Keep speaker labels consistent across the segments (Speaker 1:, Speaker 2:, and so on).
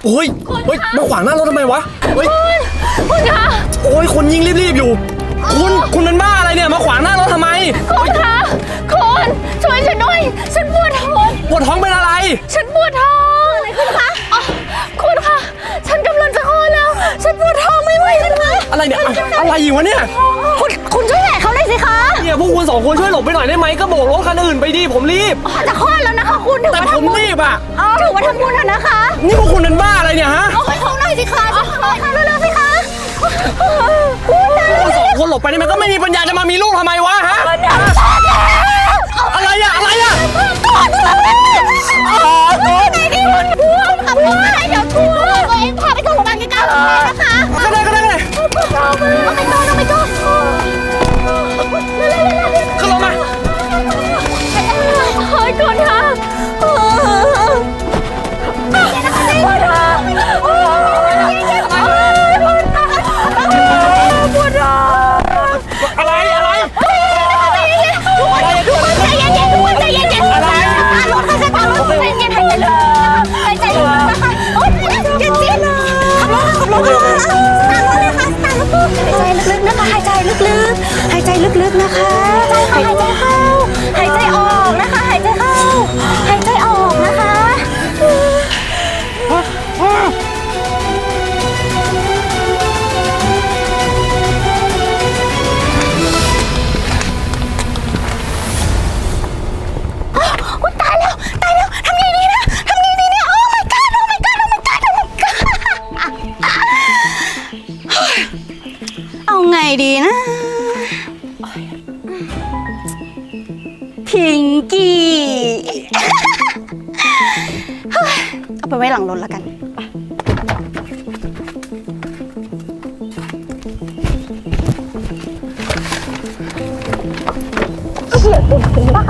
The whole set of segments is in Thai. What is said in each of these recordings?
Speaker 1: โอ้ยเฮ้ยมาขวางหน้ารถทำไมวะเฮ้ย
Speaker 2: คุณคะ
Speaker 1: โอ้ยคนยิ่งรีบๆอยู่คุณเป็นบ้าอะไรเนี่ยมาขวางหน้ารถทำไม
Speaker 2: คุณคะคุณช่วยฉันด้วยฉันปวดท้อง
Speaker 1: เป็นอะไร
Speaker 2: ฉันปวดท้องอะไรคุณคะคุณคะฉันกำลังจะคลอดแล้วฉันปวดท้องไม่ไหวเลยคะ
Speaker 1: อะไรเนี่ยอะไรอยู่วะเนี่ย
Speaker 2: คุณช่วยแหละเขาเลยสิคะ
Speaker 1: เนี่ยพวกคุณสองคนช่วยหลบไปหน่อยได้ไหมก็โบกรถคันอื่นไปดิผมรีบ
Speaker 2: จะคลอดแล้วนะคะคุณ
Speaker 1: แต่ผมรีบอ่ะ
Speaker 2: ถือว่าทำบุญเถอะนะคะ
Speaker 1: นี่พวกคุณเป็นบ้าอะไรเนี่ยฮะ
Speaker 2: ให้ท้องหน่อยสิคะเร็วๆสิคะ
Speaker 1: คุณสองคนหลบไปได้ไหมก็ไม่มีปัญญาจะมามีลูกทำไมวะฮะอะไรอะ
Speaker 2: ไหนดิคุณพูดขับรถอะไรเดี๋ยวทัวร์ตัวเองพาไปส่งโรงพยาบาลใกล้ๆนะคะ
Speaker 1: ก็ได้
Speaker 2: เอาไปก่อน
Speaker 1: ขึ้นรถมา
Speaker 2: เฮ้ยก่อนค่ะหายใจลึกๆนะคะหายใจเข้าหายใจออกนะคะหายใจเข้าหายใจออกนะคะตายแล้วทำไงดีนะโอ้ my god เอาไงดีนะพิงกี้เอาไปไว้หลังรถแล้วกันเฉียดเป็นบ้า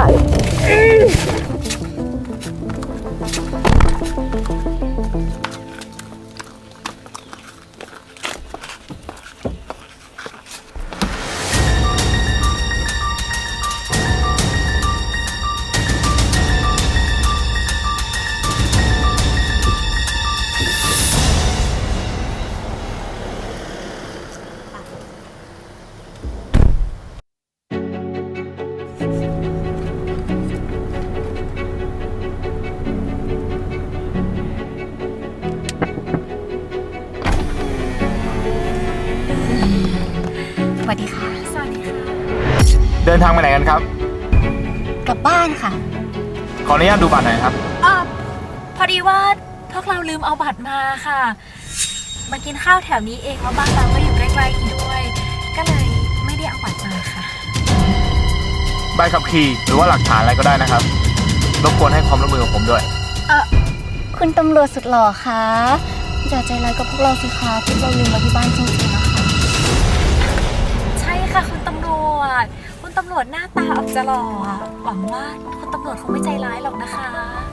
Speaker 2: สวัสดีค่ะ
Speaker 3: เดินทางไปไหนกันครับ
Speaker 2: กลับบ้านค่ะ
Speaker 3: ขออนุญาตดูบัตรหน่อยครับ
Speaker 4: พอดีว่าพวกเราลืมเอาบัตรมาค่ะมากินข้าวแถวนี้เองแล้วบ้านเราก็อยู่ใกล้ๆอีกด้วยก็เลยไม่ได้เอาบัตรมาค่ะ
Speaker 3: ใบขับขี่หรือว่าหลักฐานอะไรก็ได้นะครับรบกวนให้ความร่วมมือกับผมด้วย
Speaker 2: คุณตำรวจสุดหล่อคะอย่าใจร้ายกับพวกเราสิคะพวกเราลืมมาที่บ้านจริงๆนะคะ
Speaker 4: ใช่ค่ะคุณตำรวจหน้าตาออกจะหล่อหวังว่าคุณตำรวจคงไม่ใจร้ายหรอกนะคะ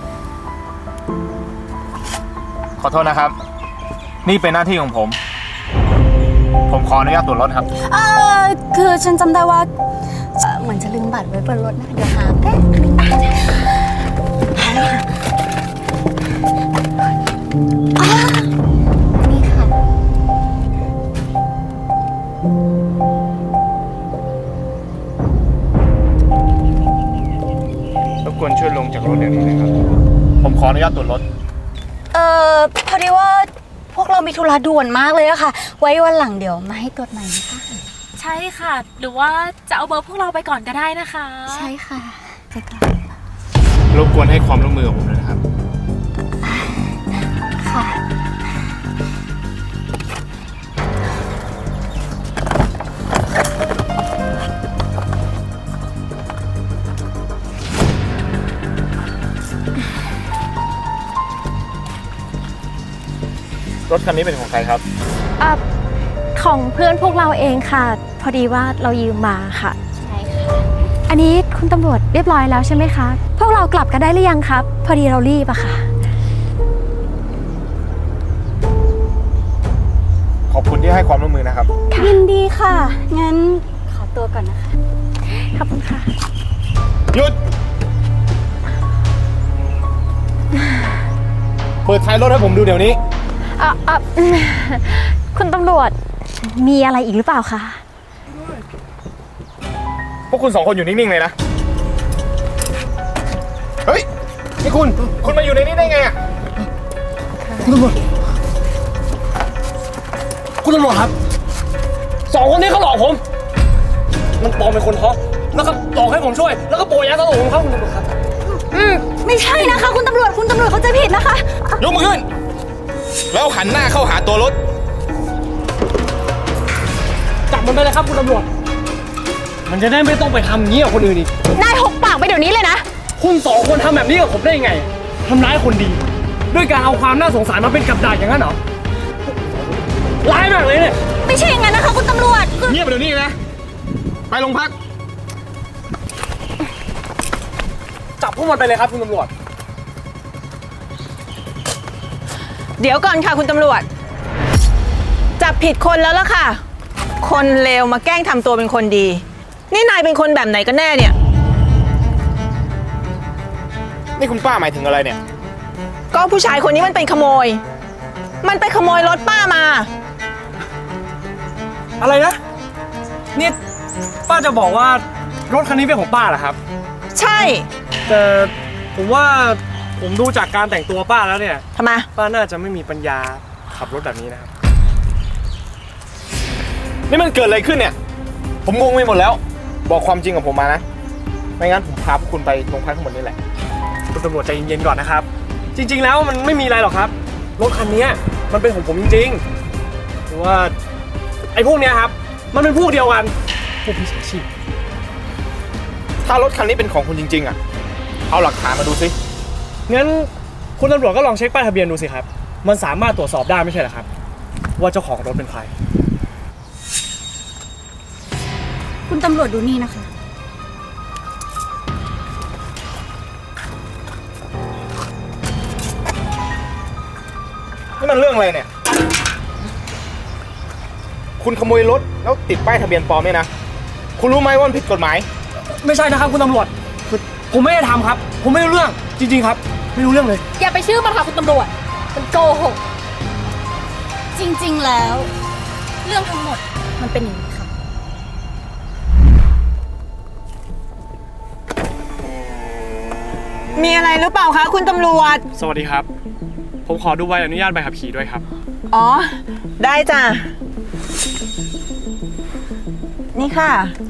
Speaker 3: ขอโทษนะครับนี่เป็นหน้าที่ของผมขออนุญาตตรวจรถครับ
Speaker 2: คือฉันจำได้ว่าเหมือนจะลืมบัตรไว้บนรถนะเดี๋ยวหาแป๊บนึงนี่ค่ะ
Speaker 3: รบกวนช่วยลงจากรถเดี๋ยวนี้นะครับผมขออนุญาตตรวจรถ
Speaker 2: พอดีว่าพวกเรามีธุระด่วนมากเลยอะค่ะไว้วันหลังเดี๋ยวมาให้ตรวจใหม่นะคะ
Speaker 4: ใช่ค่ะหรือว่าจะเอาเบอร์พวกเราไปก่อนก็ได้นะคะ
Speaker 2: ใช่ค่ะไปก่อน
Speaker 3: รบกวนให้ความร่วมมือกับผมด้วยนะครับ
Speaker 2: ค่ะ
Speaker 3: รถคันนี้เป็นของใครครับ
Speaker 4: ของเพื่อนพวกเราเองค่ะพอดีว่าเรายืมมาค่ะ
Speaker 2: ใช่ค่ะ
Speaker 4: อันนี้คุณตำรวจเรียบร้อยแล้วใช่ไหมคะพวกเรากลับกันได้หรือยังครับพอดีเรารีบอะค่ะ
Speaker 3: ขอบคุณที่ให้ความร่วมมือนะครับ
Speaker 2: ยินดีค่ะงั้นขอตัวก่อนนะคะ
Speaker 4: ขอบคุณค่ะ
Speaker 3: หยุดเปิดท้ายรถให้ผมดูเดี๋ยวนี้
Speaker 2: คุณตำรวจมีอะไรอีกหรือเปล่าคะ
Speaker 3: พวกคุณ2 คนอยู่นิ่งๆเลยนะ เฮ้ย นี่คุณมาอยู่ในนี้ได้ไงอะ
Speaker 1: คุณตำรวจครับ2 คนนี้เขาหลอกผม มันปลอมเป็นคนท้องแล้วก็หลอกให้ผมช่วย แล้วก็โปรยยาสลบผมครับคุณตำรวจครับ
Speaker 2: ไม่ใช่นะคะ คุณตำรวจเขาใจผิดนะคะ
Speaker 3: ยกมือขึ้น แล้วหันหน้าเข้าหาตัวรถ
Speaker 1: จับมันไปเลยครับคุณตำรวจ มันจะได้ไม่ต้องไปทำอย่างนี้กับคนอื่นอีก
Speaker 2: นายหกปากไปเดี๋ยวนี้เลยนะ
Speaker 1: คุณ2 คนทำแบบนี้กับผมได้ยังไงทำร้ายคนดี ด้วยการเอาความน่าสงสารมาเป็นกับดักอย่างนั้นเหรอ ร้ายมากเลยเนี่ย
Speaker 2: ไม่ใช่อย่างนั้นนะคะ คุณตำรวจ
Speaker 3: เงียบไปเดี๋ยวนี้นะ ไปโรงพัก
Speaker 1: จับพวกมันไปเลยครับคุณตำรวจ
Speaker 5: เดี๋ยวก่อนค่ะคุณตำรวจ จับผิดคนแล้วล่ะค่ะ คนเลวมาแกล้งทำตัวเป็นคนดี นี่นายเป็นคนแบบไหนกันแน่เนี่ย
Speaker 3: นี่คุณป้าหมายถึงอะไรเนี่ย
Speaker 5: ก็ผู้ชายคนนี้มันเป็นขโมย มันไปขโมยรถป้ามา
Speaker 1: อะไรนะ นี่ป้าจะบอกว่ารถคันนี้เป็นของป้าเหรอครับ
Speaker 5: ใช่
Speaker 1: แต่ผมว่าผมดูจากการแต่งตัวป้าแล้วเนี่ย
Speaker 5: ทำไม
Speaker 1: ป้าน่าจะไม่มีปัญญาขับรถแบบนี้นะครับ
Speaker 3: นี่มันเกิดอะไรขึ้นเนี่ย ผมงงไปหมดแล้ว บอกความจริงกับผมมานะ ไม่งั้นผมพาพวกคุณไปโรงพักทั้งหมดนี่แหละ
Speaker 1: คุณตำรวจใจเย็นๆก่อนนะครับ จริงๆแล้วมันไม่มีอะไรหรอกครับ รถคันนี้มันเป็นของผมจริงๆเพราะว่าไอ้พวกเนี้ยครับ มันเป็นพวกเดียวกัน พวกพิชาชีพ
Speaker 3: ถ้ารถคันนี้เป็นของคุณจริงๆอ่ะ เอาหลักฐานมาดูสิ
Speaker 1: งั้นคุณตำรวจก็ลองเช็คป้ายทะเบียนดูสิครับ มันสามารถตรวจสอบได้ไม่ใช่เหรอครับ ว่าเจ้าของรถเป็นใคร
Speaker 2: คุณตำรวจดูนี่นะคะ
Speaker 3: นี่มันเรื่องอะไรเนี่ย คุณขโมยรถแล้วติดป้ายทะเบียนปลอมเนี่ยนะ คุณรู้ไหมว่ามันผิดกฎหมาย
Speaker 1: ไม่ใช่นะครับคุณตำรวจคือผมไม่ได้ทำครับ ผมไม่รู้เรื่องจริงๆครับ ไม่รู้เรื่องเลย
Speaker 4: อย่าไปเชื่อมันค่ะคุณตำรวจ มันโกหก
Speaker 2: จริงๆแล้ว เรื่องทั้งหมดมันเป็นอย่างนี้ค่ะ
Speaker 5: มีอะไรหรือเปล่าคะคุณตำรวจ
Speaker 1: สวัสดีครับ ผมขอดูใบอนุญาตใบขับขี่ด้วยครับ
Speaker 5: อ๋อ ได้จ้ะ นี่ค่ะ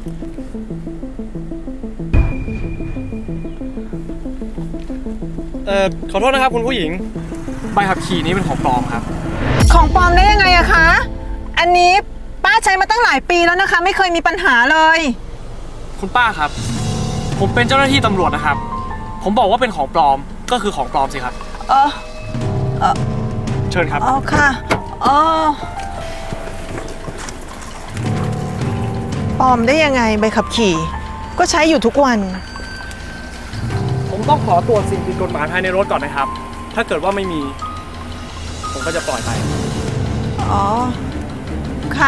Speaker 1: ขอโทษนะครับคุณผู้หญิง ใบขับขี่นี้เป็นของปลอมครับ
Speaker 5: ของปลอมได้ยังไงอะคะ อันนี้ป้าใช้มาตั้งหลายปีแล้วนะคะ ไม่เคยมีปัญหาเลย
Speaker 1: คุณป้าครับ ผมเป็นเจ้าหน้าที่ตำรวจนะครับ ผมบอกว่าเป็นของปลอมก็คือของปลอมสิครับ
Speaker 5: เออ
Speaker 1: เชิญครับ
Speaker 5: อ๋อค่ะ อ๋อ ปลอมได้ยังไงใบขับขี่ ก็ใช้อยู่ทุกวัน
Speaker 1: ผมต้องขอตรวจสิ่งผิดกฎหมายภายในรถก่อนนะครับ ถ้าเกิดว่าไม่มี ผมก็จะปล่อยไป
Speaker 5: อ๋อ ค่ะ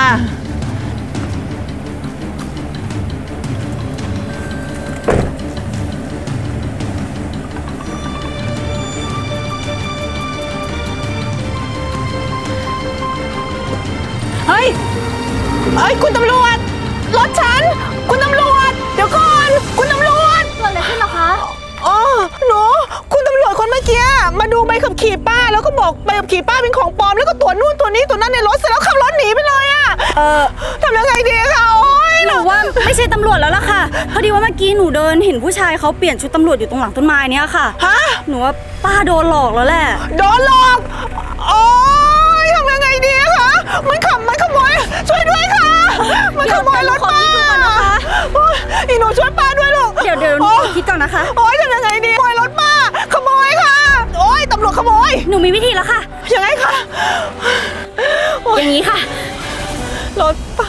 Speaker 5: เฮ้ย เฮ้ย คุณตำรวจ รถฉัน คุณตำรวจ เดี๋ยวก่อน คุณตำรวจ
Speaker 2: เกิดอะไรขึ้นเหรอคะ
Speaker 5: อ๋อ หนู คุณตำรวจคนเมื่อกี้มาดูใบขับขี่ป้า แล้วก็บอกใบขับขี่ป้าเป็นของปลอม แล้วก็ตัวนู่นตัวนี้ตัวนั้นในรถเสร็จแล้วขับรถหนีไปเลยอะทำยังไงดีคะโอ๊ย
Speaker 2: หนูว่าไม่ใช่ตำรวจแล้วล่ะค่ะ พอดีว่าเมื่อกี้หนูเดินเห็นผู้ชายเขาเปลี่ยนชุดตำรวจอยู่ตรงหลังต้นไม้เนี้ยค่ะ
Speaker 5: ฮะ
Speaker 2: หนูว่าป้าโดนหลอกแล้วแหละ
Speaker 5: โดนหลอก โอ๊ยทำยังไงดีคะมันขโมย ช่วยด้วยค่ะ มันขโมยรถป้า
Speaker 2: เดี๋ยวขอคิดดูก่อนนะคะ
Speaker 5: โอ๊ยอีหนูช่วยป้าด้วยลูก
Speaker 2: เดี๋ยวหนูขอคิดก่อนนะคะ
Speaker 5: โอ๊ยทำยังไงดีขโมยรถป้า ขโมยค่ะ โอ๊ยตำรวจขโมย
Speaker 2: หนูมีวิธีแล้วค่ะ
Speaker 5: ยังไงคะโอ๊ย
Speaker 2: อย่างนี้ค่ะ
Speaker 5: รถป้า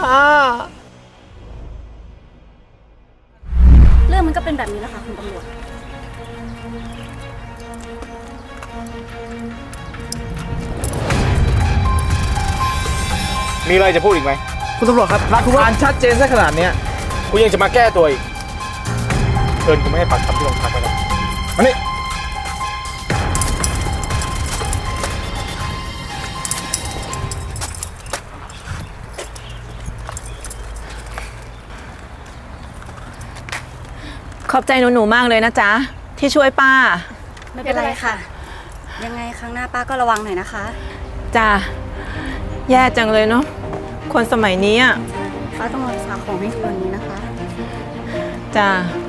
Speaker 2: เรื่องมันก็เป็นแบบนี้แหละค่ะคุณตำรวจ
Speaker 3: มีอะไรจะพูดอีกไหม
Speaker 1: คุณตำรวจครับหลักฐานชัดเจนซะขนาดเนี้ย
Speaker 3: คุณยังจะมาแก้ตัวอีก เชิญคุณไม่ให้ปากคำที่โรงพักไปแล้วมานี่
Speaker 5: อบใจหนูๆมากเลยนะจ๊ะที่ช่วยป้า
Speaker 2: ไม่เป็นไรค่ะ ยังไงครั้งหน้าป้าก็ระวังหน่อยนะคะ
Speaker 5: จ้ะแย่จังเลยเนาะคนสมัยนี้อ่ะ
Speaker 2: ป้าต้องรักษาของให้ดีกว่านี้นะคะ
Speaker 5: จ้ะ